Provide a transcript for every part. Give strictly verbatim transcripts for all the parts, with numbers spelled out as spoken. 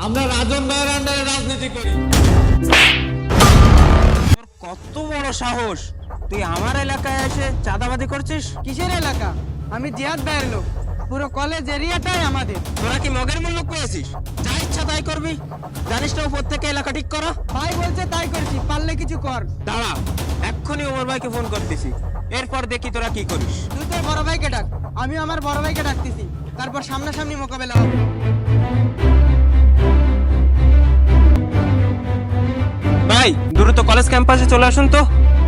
আমরা রাজন ভাইয়ের আন্ডারে রাজনীতি করি। কত বড় সাহস, তুই আমার এলাকায় এসে চাঁদাবাজি করছিস? কিসের এলাকা? আমি জিয়াদ ভাইয়ের লোক, পুরো কলেজ এরিয়াটাই আমাদের। তোরা কি মগের মূল্য পেয়েছিস? যা ইচ্ছা তাই করবি, জানিস না উপর থেকে এলাকা ঠিক করা। ভাই বলছে তাই করছি, পারলে কিছু কর। দাঁড়া, এক্ষুনি ওমর ভাইকে ফোন করতেছি, এরপর দেখি তোরা কি করিস। তুই তোর বড় ভাইকে ডাক, আমি আমার বড় ভাইকে ডাকতেছি, তারপর সামনাসামনি মোকাবেলা হবে। ভাই দ্রুত কলেজ ক্যাম্পাসে চলে আসুন তো।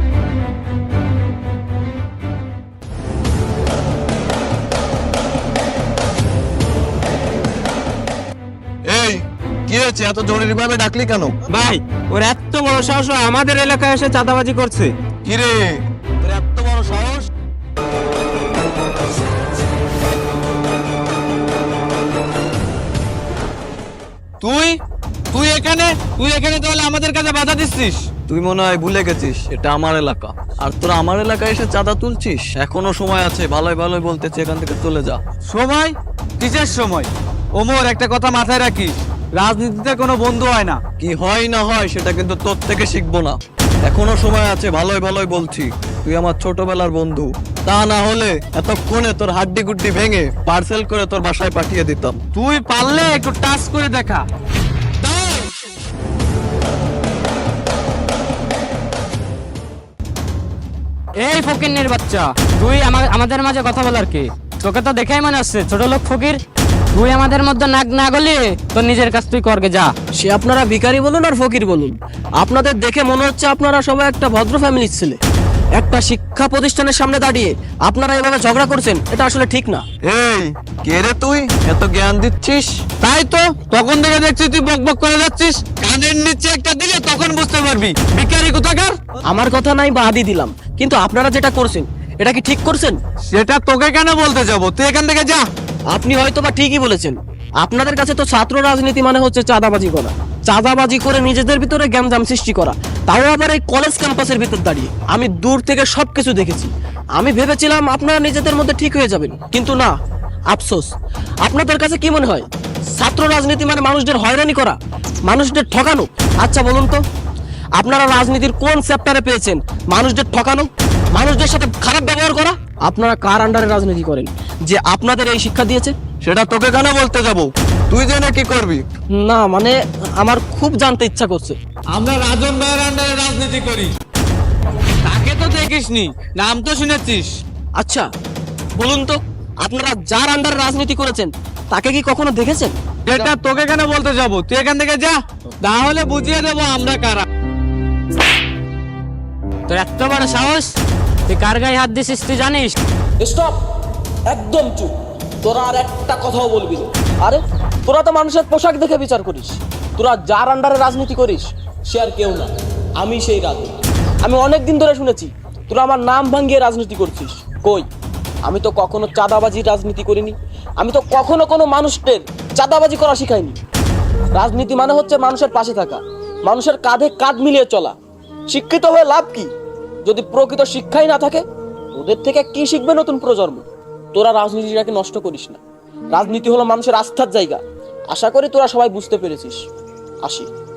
এই কি হয়েছে, এত জরুরি ভাবে ডাকলি কেন? ভাই ওর এত বড় সাহস, ও আমাদের এলাকায় এসে চাঁদাবাজি করছে। কি রে, তোর এত বড় সাহস? তুই তুই এখানে তুই এখানে তাহলে আমাদের কাছে বাধা দিচ্ছিস? তুই মনে হয় ভুলে গেছিস এটা আমার এলাকা, আর তোরা আমার এলাকায় এসে চাঁদা তুলছিস। এখনো সময় আছে, ভালোই ভালোই বলতেছি এখান থেকে চলে যা। সময়? কিসের সময়? ওমর, একটা কথা মাথায় রাখিস, রাজনীতিতে কোনো বন্ধু হয় না। কি হয় না হয় সেটা কিন্তু তোর থেকে শিখবো না। এখনো সময় আছে, ভালোই ভালোই বলছি। তুই আমার ছোটবেলার বন্ধু, তা না হলে এতক্ষণে তোর হাড্ডি গুড্ডি ভেঙে পার্সেল করে তোর বাসায় পাঠিয়ে দিতাম। তুই পারলে একটু টাচ করে দেখা। এই ফকিরনির বাচ্চা, তুই আমা- আমাদের মাঝে কথা বলার কি? তোকে তো দেখেই মনে হচ্ছে ছোট লোক ফকির। তুই আমাদের মধ্যে নাক না গলিয়ে তোর নিজের কাজ তুই করগে যা। সে আপনারা ভিখারি বলুন আর ফকির বলুন, আপনাদের দেখে মনে হচ্ছে আপনারা সবাই একটা ভদ্র ফ্যামিলির ছেলে। একটা শিক্ষা প্রতিষ্ঠানের সামনে দাঁড়িয়ে আপনারা এভাবে ঝগড়া করছেন, এটা আসলে ঠিক না। এই কে রে তুই, এত জ্ঞান দিচ্ছিস? তাই তো, তখন থেকে দেখছি তুই বক বক করে যাচ্ছিস। কানের নিচে একটা দিলে তখন বুঝতে পারবি ভিখারি কোথাকার। আমার কথা নাই বা আদি দিলাম, কিন্তু আপনারা যেটা করছেন এটা কি ঠিক করছেন? সেটা তোকে কেন বলতে যাবো, তুই এখান থেকে যা। আপনি হয়তো বা ঠিকই বলেছেন। আপনাদের কাছে তো ছাত্র রাজনীতি মানে হচ্ছে চাঁদাবাজি করা, চাঁদাবাজি করে নিজেদের ভিতরে গ্যামজাম সৃষ্টি করা, তাও আবার এই কলেজ ক্যাম্পাসের ভিতর দাঁড়িয়ে। আমি দূর থেকে সবকিছু দেখেছি। আমি ভেবেছিলাম আপনারা নিজেদের মধ্যে ঠিক হয়ে যাবেন, কিন্তু না। আফসোস, আপনাদের কাছে কি মনে হয় ছাত্র রাজনীতি মানে মানুষদের হয়রানি করা, মানুষদের ঠকানো? আচ্ছা বলুন তো, আপনারা রাজনীতির কোন চ্যাপ্টারে পেয়েছেন মানুষদের ঠকানো, মানুষদের সাথে খারাপ ব্যবহার করা? আপনারা কার আন্ডারে রাজনীতি করেন যে আপনাদের এই শিক্ষা দিয়েছে? সেটা তোকে কেন বলতে যাবো, তুই জেনে কি করবি? না মানে আমার খুব জানতে ইচ্ছা করছে। আমরা রাজন ভাইয়ের আন্ডারে রাজনীতি করি। তাকে তো দেখিসনি, নাম তো শুনেছিস। আচ্ছা বলুন তো, আপনারা যার আন্ডারে রাজনীতি করেছেন তাকে কি কখনো দেখেছেন? এটা তোকে কেন বলতে যাবো, তুই এখান থেকে যা, তাহলে বুঝিয়ে দেবো আমরা কারা। তোর এত বড় সাহস, তুই কার গায়ে হাত দিছিস তুই জানিস? স্টপ, একদম চুপ। তোরা আর একটা কথাও বলবি না। আরে তোরা তো মানুষের পোশাক দেখে বিচার করিস। তোরা যার আন্ডারে রাজনীতি করিস সে আর কেউ না, আমি সেই রাজনীতি। আমি অনেক দিন ধরে শুনেছি তোরা আমার নাম ভাঙিয়ে রাজনীতি করছিস। কই, আমি তো কখনো চাঁদাবাজি রাজনীতি করিনি। আমি তো কখনো কোনো মানুষদের চাঁদাবাজি করা শিখাইনি। রাজনীতি মানে হচ্ছে মানুষের পাশে থাকা, মানুষের কাঁধে কাঁধ মিলিয়ে চলা। শিক্ষিত হয়ে লাভ কি যদি প্রকৃত শিক্ষাই না থাকে? ওদের থেকে কি শিখবে নতুন প্রজন্ম? তোরা রাজনীতিটাকে নষ্ট করিস না। রাজনীতি হলো মানুষের আস্থার জায়গা। আশা করি তোরা সবাই বুঝতে পেরেছিস। আসি।